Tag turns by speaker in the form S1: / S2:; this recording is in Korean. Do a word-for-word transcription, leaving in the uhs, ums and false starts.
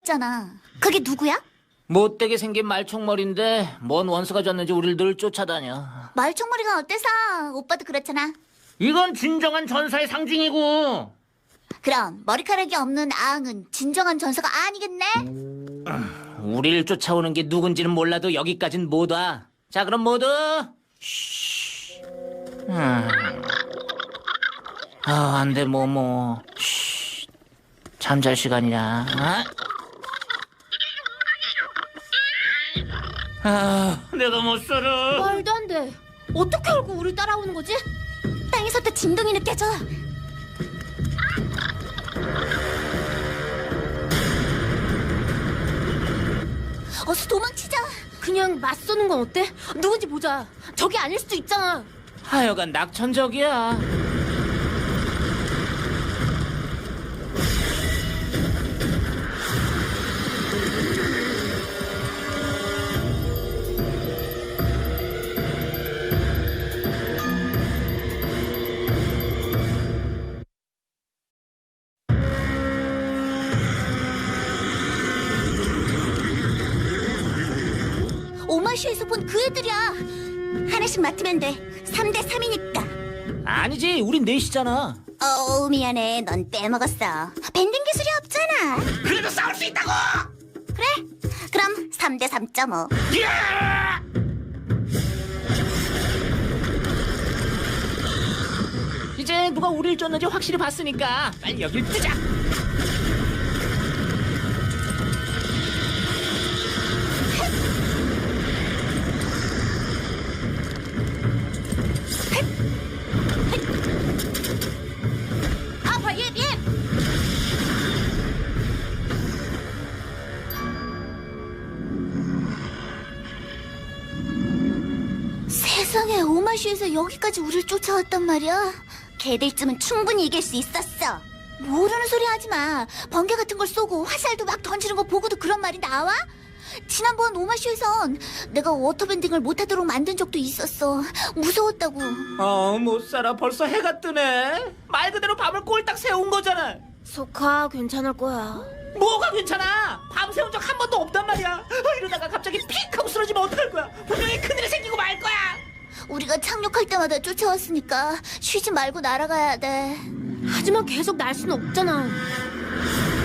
S1: 있잖아. 그게 누구야?
S2: 못되게 생긴 말총머리인데 뭔 원수가 줬는지 우릴 늘 쫓아다녀.
S1: 말총머리가 어때서? 오빠도 그렇잖아.
S2: 이건 진정한 전사의 상징이고.
S1: 그럼 머리카락이 없는 아흥은 진정한 전사가 아니겠네?
S2: 우릴 쫓아오는 게 누군지는 몰라도 여기까진 못 와. 자, 그럼 모두 쉬. 음. 아, 안 돼, 모모. 쉬. 잠잘 시간이야. 어? 아, 내가 못 살아.
S1: 말도 안 돼. 어떻게 알고 우리 따라오는 거지? 땅에서부터 진동이 느껴져. 어서 도망치자.
S3: 그냥 맞서는 건 어때? 누군지 보자. 저게 아닐 수도 있잖아.
S2: 하여간 낙천적이야.
S1: 오마시에서 본 그 애들이야. 하나씩 맡으면 돼. 삼 대 삼이니까.
S2: 아니지, 우린 넷이잖아.
S1: 어, 미안해. 넌 빼먹었어. 밴딩 기술이 없잖아.
S2: 그래도 싸울 수 있다고!
S1: 그래? 그럼 삼 대 삼 점 오.
S2: 이제 누가 우릴 쫓는지 확실히 봤으니까 빨리 여길 뜨자.
S1: 아파, 예, 예. 세상에, 오마시에서 여기까지 우릴 쫓아왔단 말이야. 걔들쯤은 충분히 이길 수 있었어. 모르는 소리 하지 마. 번개 같은 걸 쏘고 화살도 막 던지는 거 보고도 그런 말이 나와? 지난번 오마쇼에선 내가 워터밴딩을 못하도록 만든 적도 있었어. 무서웠다고.
S2: 어, 못 살아. 벌써 해가 뜨네. 말 그대로 밤을 꼴딱 새운 거잖아.
S3: 소카 괜찮을 거야.
S2: 뭐가 괜찮아? 밤 새운 적 한 번도 없단 말이야. 아, 이러다가 갑자기 픽 하고 쓰러지면 어떡할 거야? 분명히 큰일이 생기고 말 거야.
S1: 우리가 착륙할 때마다 쫓아왔으니까 쉬지 말고 날아가야 돼.
S3: 하지만 계속 날 수는 없잖아.